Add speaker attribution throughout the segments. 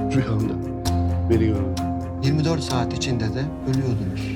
Speaker 1: Rüyamda beni gördü.
Speaker 2: 24 saat içinde de ölüyordunuz.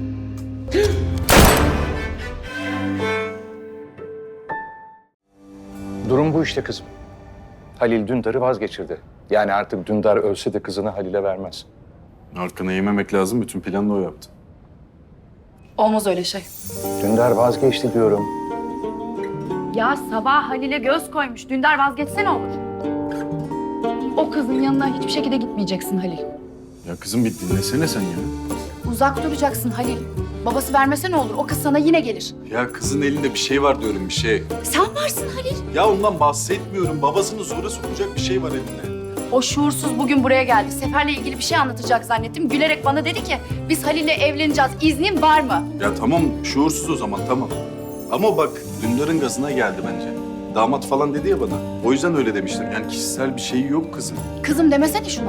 Speaker 3: Durum bu işte kızım. Halil Dündar'ı vazgeçirdi. Yani artık Dündar ölse de kızını Halil'e vermez.
Speaker 4: Arkana yememek lazım. Bütün planı o yaptı.
Speaker 5: Olmaz öyle şey.
Speaker 3: Dündar vazgeçti diyorum.
Speaker 5: Ya Sabah Halil'e göz koymuş. Dündar vazgeçse ne olur? O kızın yanına hiçbir şekilde gitmeyeceksin Halil.
Speaker 4: Ya kızım bir dinlesene sen ya.
Speaker 5: Uzak duracaksın Halil. Babası vermese ne olur? O kız sana yine gelir.
Speaker 4: Ya kızın elinde bir şey var diyorum, bir şey.
Speaker 5: Sen varsın Halil.
Speaker 4: Ya ondan bahsetmiyorum. Babasını zora sokacak bir şey var elinde.
Speaker 5: O şuursuz bugün buraya geldi. Sefer'le ilgili bir şey anlatacak zannettim. Gülerek bana dedi ki biz Halil'le evleneceğiz. İznin var mı?
Speaker 4: Ya tamam, şuursuz o zaman, tamam. Ama bak, Dündar'ın gazına geldi bence. Damat falan dedi ya bana. O yüzden öyle demiştim. Yani kişisel bir şey yok kızım.
Speaker 5: Kızım demesene şuna.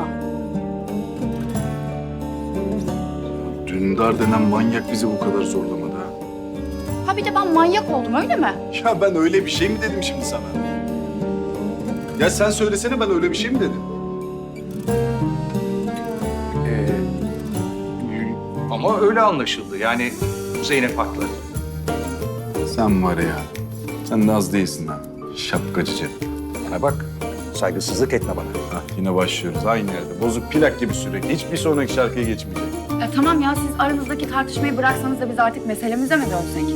Speaker 4: Dündar denen manyak bizi bu kadar zorlamadı ha.
Speaker 5: Ha bir de ben manyak oldum öyle mi?
Speaker 4: Ya ben öyle bir şey mi dedim şimdi sana? Ya sen söylesene, ben öyle bir şey mi dedim?
Speaker 3: Ama öyle anlaşıldı. Yani Zeynep haklı.
Speaker 4: Sen var ya, sen de az değilsin ha. Şapkacıcı.
Speaker 3: Bana bak, saygısızlık etme bana.
Speaker 4: Hah, yine başlıyoruz aynı yerde. Bozuk plak gibi sürekli. Hiçbir sonraki şarkıya geçmeyecek.
Speaker 5: Tamam ya siz aranızdaki tartışmayı bıraksanız da biz artık meselemize mi dönsek?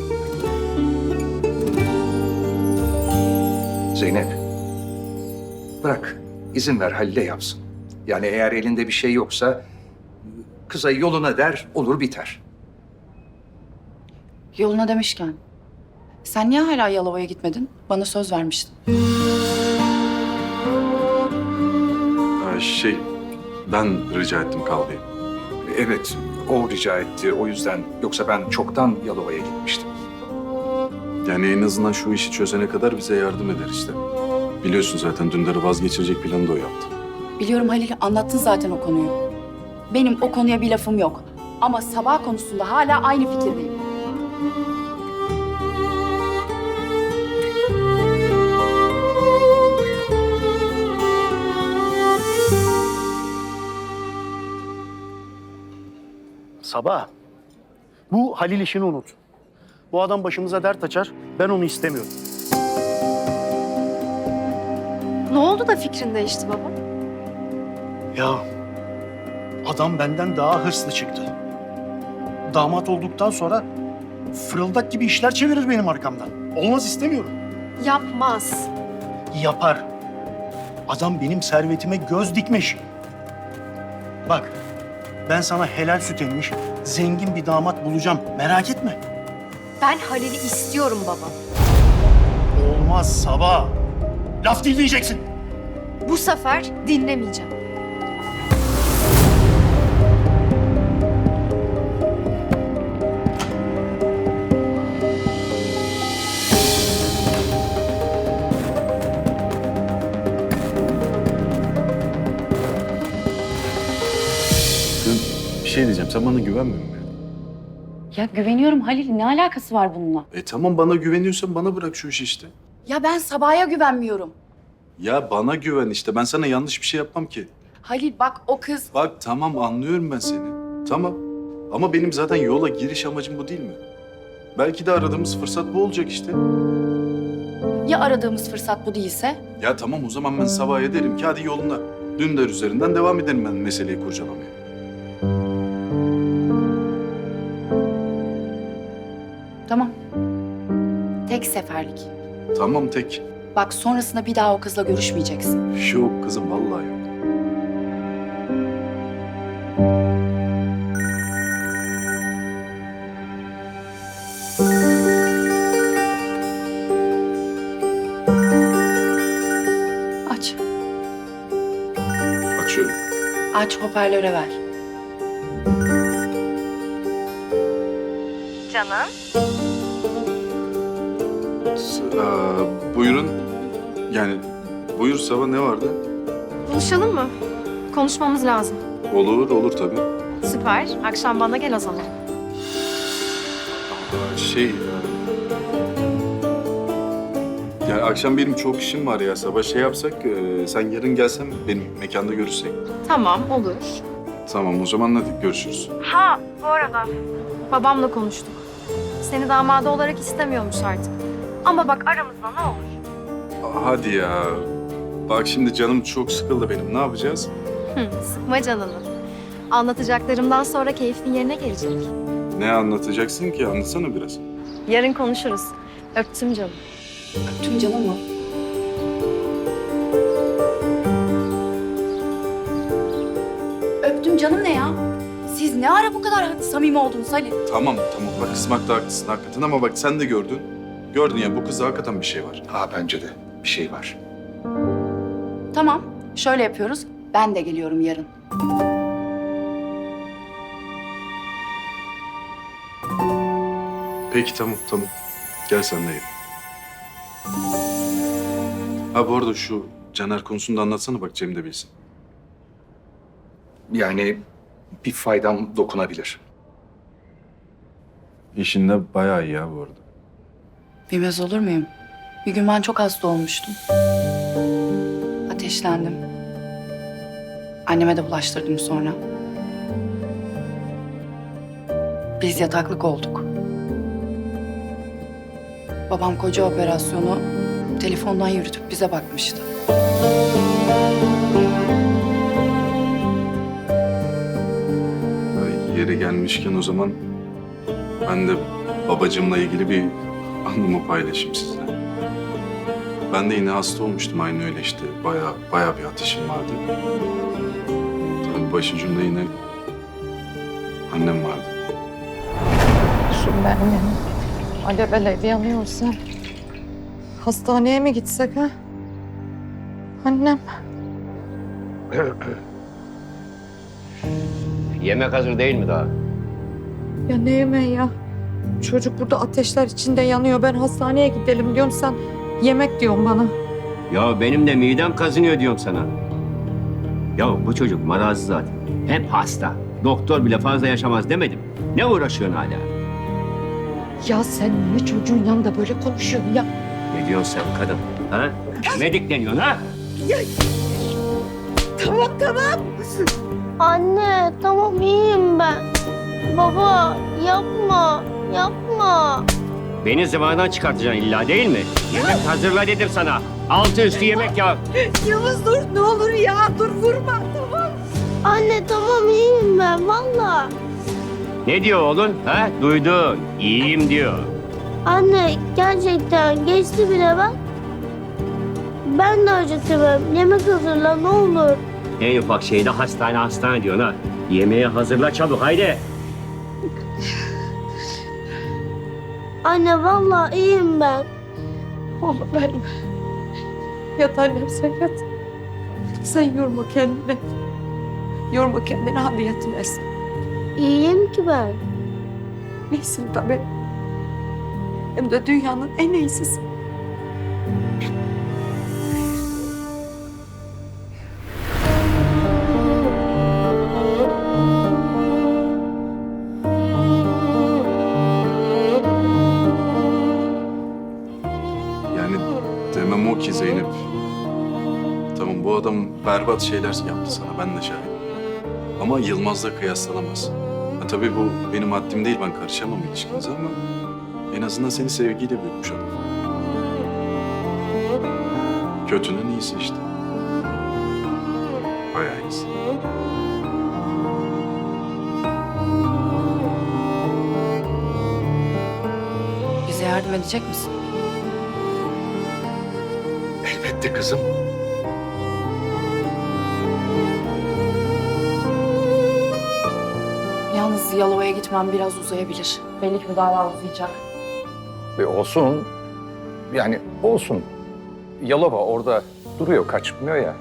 Speaker 3: Zeynep, bırak. İzin ver Halil'e yapsın. Yani eğer elinde bir şey yoksa kıza yoluna der, olur biter.
Speaker 5: Yoluna demişken. Sen niye hala Yalova'ya gitmedin? Bana söz vermiştin.
Speaker 4: Ben rica ettim kal diye.
Speaker 3: Evet, o rica etti. O yüzden yoksa ben çoktan Yalova'ya gitmiştim.
Speaker 4: Yani en azından şu işi çözene kadar bize yardım eder işte. Biliyorsun zaten Dündar'ı vazgeçirecek planı da o yaptı.
Speaker 5: Biliyorum Halil, anlattın zaten o konuyu. Benim o konuya bir lafım yok. Ama Sabah konusunda hala aynı fikirdeyim.
Speaker 1: Sabah. Bu Halil işini unut. Bu adam başımıza dert açar. Ben onu istemiyorum.
Speaker 6: Ne oldu da fikrin değişti baba?
Speaker 1: Ya adam benden daha hırslı çıktı. Damat olduktan sonra fırıldak gibi işler çevirir benim arkamdan. Olmaz, istemiyorum.
Speaker 6: Yapmaz.
Speaker 1: Yapar. Adam benim servetime göz dikmiş. Bak, ben sana helal süt emmiş, zengin bir damat bulacağım. Merak etme.
Speaker 6: Ben Halil'i istiyorum baba.
Speaker 1: Olmaz Sabah. Laf dinleyeceksin.
Speaker 6: Bu sefer dinlemeyeceğim.
Speaker 4: Bir şey diyeceğim, sen bana güvenmiyor musun?
Speaker 5: Ya güveniyorum Halil, ne alakası var bununla?
Speaker 4: Tamam, bana güveniyorsan bana bırak şu işi işte.
Speaker 5: Ya ben Sabah'a güvenmiyorum.
Speaker 4: Ya bana güven işte, ben sana yanlış bir şey yapmam ki.
Speaker 5: Halil bak o kız...
Speaker 4: Bak tamam, anlıyorum ben seni. Tamam. Ama benim zaten yola giriş amacım bu değil mi? Belki de aradığımız fırsat bu olacak işte.
Speaker 5: Ya aradığımız fırsat bu değilse?
Speaker 4: Ya tamam, o zaman ben Sabah'a derim ki hadi yoluna. Dündar üzerinden devam ederim ben meseleyi kurcalamaya.
Speaker 5: Tamam. Tek seferlik.
Speaker 4: Tamam tek.
Speaker 5: Bak sonrasında bir daha o kızla görüşmeyeceksin.
Speaker 4: Yok kızım, vallahi yok.
Speaker 5: Aç.
Speaker 4: Açıyorum.
Speaker 5: Aç hoparlöre ver.
Speaker 6: Canım.
Speaker 4: Buyurun. Yani buyur Sabah, ne vardı?
Speaker 6: Buluşalım mı? Konuşmamız lazım.
Speaker 4: Olur, olur tabii.
Speaker 6: Süper. Akşam bana gel o zaman.
Speaker 4: Yani akşam benim çok işim var ya. Sabah şey yapsak, sen yarın gelsen benim mekanda görüşsek.
Speaker 6: Tamam, olur.
Speaker 4: Tamam o zaman hadi görüşürüz.
Speaker 6: Ha, bu arada babamla konuştuk. Seni damadı olarak istemiyormuş artık. Ama bak aramızda ne olur.
Speaker 4: Hadi ya. Bak şimdi canım çok sıkıldı benim. Ne yapacağız?
Speaker 6: Sıkma canını. Anlatacaklarımdan sonra keyfin yerine gelecek.
Speaker 4: Ne anlatacaksın ki? Anlatsana biraz.
Speaker 6: Yarın konuşuruz. Öptüm canım.
Speaker 5: Tüm canım mı? Öptüm canım ne ya? Siz ne ara bu kadar samimi oldunuz Ali?
Speaker 4: Tamam bak kızmakta haklısın hakikaten ama bak sen de gördün. Gördün ya bu kızda hakikaten bir şey var.
Speaker 3: Ha bence de bir şey var.
Speaker 5: Tamam, şöyle yapıyoruz. Ben de geliyorum yarın.
Speaker 4: Peki tamam. Gel sen de gel. Ha bu arada şu Caner konusunu da anlatsana bak Cem de bilsin.
Speaker 3: Yani bir faydam dokunabilir.
Speaker 4: İşinde bayağı iyi ya bu arada.
Speaker 5: Bilmez olur muyum? Bir gün ben çok hasta olmuştum. Ateşlendim. Anneme de bulaştırdım sonra. Biz yataklık olduk. Babam koca operasyonu telefondan yürütüp bize bakmıştı.
Speaker 4: Yeri gelmişken o zaman ben de babacığımla ilgili bir anımı paylaşayım sizle. Ben de yine hasta olmuştum aynı öyle işte. Bayağı bir ateşim vardı. Tabii başucumda yine annem vardı.
Speaker 7: Benim alevleri yanıyorsa hastaneye mi gitsek ha? Annem.
Speaker 8: Yemek hazır değil mi daha?
Speaker 7: Ya ne yemeği ya? Çocuk burada ateşler içinde yanıyor. Ben hastaneye gidelim diyorum, sen yemek diyorsun bana.
Speaker 8: Ya benim de midem kazınıyor diyorum sana. Ya bu çocuk marazlı zaten. Hep hasta. Doktor bile fazla yaşamaz demedim. Ne uğraşıyorsun hala?
Speaker 7: Ya sen niye çocuğun yanında böyle konuşuyorsun ya?
Speaker 8: Ne diyorsun sen kadın? Ha? Ne dikleniyorsun ha?
Speaker 7: Tamam.
Speaker 9: Anne tamam iyiyim ben. Baba yapma.
Speaker 8: Beni zıvanadan çıkartacaksın illa değil mi? Yemek hazırla dedim sana. Altı üstü yemek ya.
Speaker 7: Yavuz dur, ne olur ya, dur vurma, tamam.
Speaker 9: Anne tamam iyiyim ben valla.
Speaker 8: Ne diyor oğlun? Ha? Duydun. İyiyim diyor.
Speaker 9: Anne gerçekten geçti bile ben. Ben de acıtırım. Yemek hazırla ne olur.
Speaker 8: En ufak şeyde hastane diyorsun ha. Yemeği hazırla çabuk haydi.
Speaker 9: Anne valla iyiyim ben.
Speaker 7: Oğlum benim. Yat annem, sen yat. Sen yorma kendini. Yorma kendini, hadi yatıversin.
Speaker 9: İyiyim ki ben.
Speaker 7: İyisin tabii. Hem de dünyanın en iyisisin.
Speaker 4: Yani demem o ki Zeynep. Tamam bu adam berbat şeyler yaptı sana ben de şahidim. Ama Yılmaz'la kıyaslanamaz. Ha, tabii bu benim haddim değil ben karışamam ilişkinize ama en azından seni sevgiyle büyütmüş adam. Kötünün iyisi işte. Bayağı iyisi.
Speaker 5: Bize yardım edecek misin?
Speaker 3: Elbette kızım.
Speaker 5: Yalnız Yalova'ya gitmem biraz uzayabilir. Belli ki bu dava uzayacak.
Speaker 3: Olsun. Yani olsun. Yalova orada duruyor, kaçmıyor ya.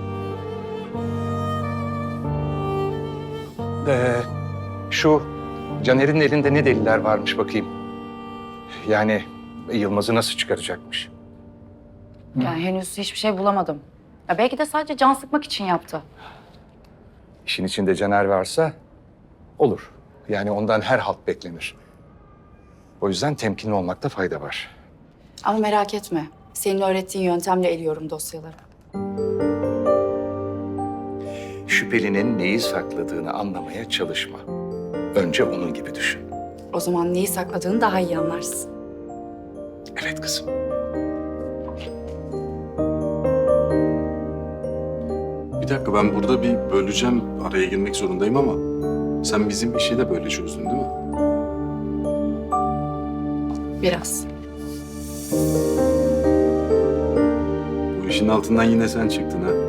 Speaker 3: Şu Caner'in elinde ne deliller varmış bakayım. Yani Yılmaz'ı nasıl çıkaracakmış?
Speaker 5: Yani henüz hiçbir şey bulamadım. Ya belki de sadece can sıkmak için yaptı.
Speaker 3: İşin içinde Caner varsa olur. Yani ondan her halt beklenir. O yüzden temkinli olmakta fayda var.
Speaker 5: Ama merak etme. Senin öğrettiğin yöntemle eliyorum dosyaları.
Speaker 3: Şüphelinin neyi sakladığını anlamaya çalışma. Önce onun gibi düşün.
Speaker 5: O zaman neyi sakladığını daha iyi anlarsın.
Speaker 3: Evet kızım.
Speaker 4: Bir dakika, ben burada bir böleceğim, araya girmek zorundayım ama sen bizim işi de böyle çözdün değil mi?
Speaker 5: Biraz.
Speaker 4: Bu işin altından yine sen çıktın ha.